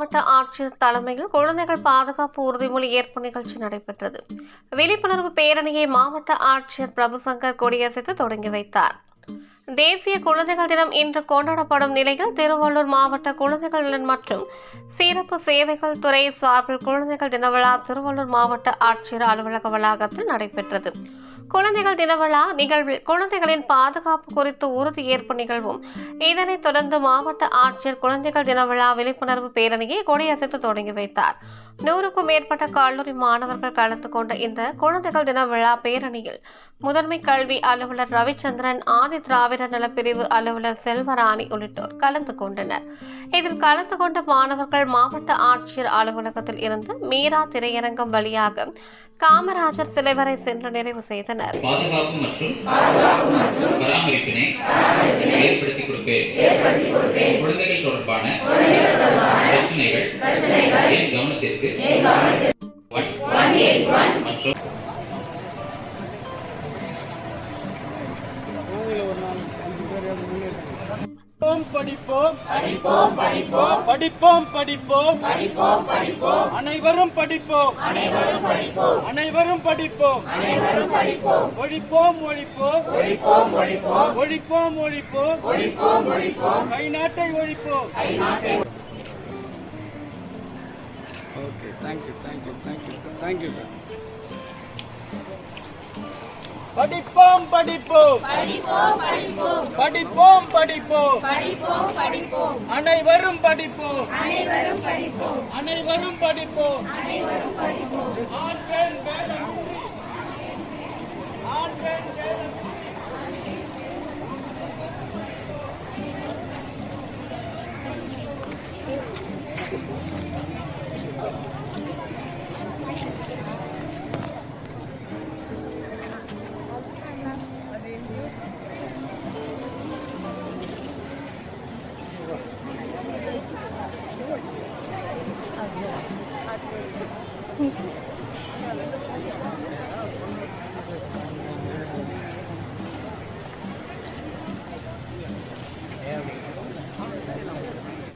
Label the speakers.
Speaker 1: மாவட்ட ஆட்சியர் தலைமையில் குழந்தைகள் பாதுகாப்பு உறுதிமொழி ஏற்பு நிகழ்ச்சி நடைபெற்றது. விழிப்புணர்வு பேரணியை மாவட்ட ஆட்சியர் பிரபுசங்கர் கொடியசைத்து தொடங்கி வைத்தார். தேசிய குழந்தைகள் தினம் இன்று கொண்டாடப்படும் நிலையில் திருவள்ளூர் மாவட்ட குழந்தைகள் நலன் மற்றும் சிறப்பு சேவைகள் துறை சார்பில் குழந்தைகள் தின விழா திருவள்ளூர் மாவட்ட ஆட்சியர் அலுவலக வளாகத்தில் நடைபெற்றது. குழந்தைகள் தின விழா நிகழ்வில் குழந்தைகளின் பாதுகாப்பு குறித்து உறுதி ஏற்பு நிகழ்வும், இதனைத் தொடர்ந்து மாவட்ட ஆட்சியர் குழந்தைகள் தின விழா விழிப்புணர்வு பேரணியை கொடியசைத்து தொடங்கி வைத்தார். 100க்கும் மேற்பட்ட கல்லூரி மாணவர்கள் கலந்து கொண்ட இந்த குழந்தைகள் தின விழா பேரணியில் முதன்மை கல்வி அலுவலர் ரவிச்சந்திரன், ஆதி திராவிடர் நலப்பிரிவு அலுவலர் செல்வராணி உள்ளிட்டோர் கலந்து கொண்டனர். இதில் கலந்து கொண்ட மாணவர்கள் மாவட்ட ஆட்சியர் அலுவலகத்தில் இருந்து மீரா திரையரங்கம் வழியாக காமராஜர் சிலை வரை சென்று நிறைவு செய்தனர்.
Speaker 2: பாதுகாப்பு மற்றும் பராமரிப்பினை ஏற்படுத்தி கொடுப்பேன். குழந்தைகள் தொடர்பான பிரச்சனைகள் என் கவனத்திற்கு மற்றும்
Speaker 3: படிப்போம் படிப்போம் படிப்போம் படிப்போம் படிப்போம் படிப்போம் படிப்போம் அனைவரும் படிப்போம் அனைவரும் படிப்போம் அனைவரும் படிப்போம் அனைவரும் படிப்போம் ஒழிப்போம் ஒழிப்போம் ஒழிப்போம் ஒழிப்போம் ஒழிப்போம் ஒழிப்போம் ஒழிப்போம் ஒழிப்போம் கை நாட்டை ஒழிப்போம் கை நாட்டை. Okay, thank you thank you thank you thank you. படிப்போம் படிப்போம் படிப்போம் படிப்போம் படிப்போம் படிப்போம் படிப்போம் படிப்போம் அனைவரும் படிப்போம் அனைவரும் படிப்போம் அனைவரும் படிப்போம் அனைவரும் படிப்போம். ஆண்கள் வேதம் ஆண்கள் வேதம்
Speaker 1: Thank you.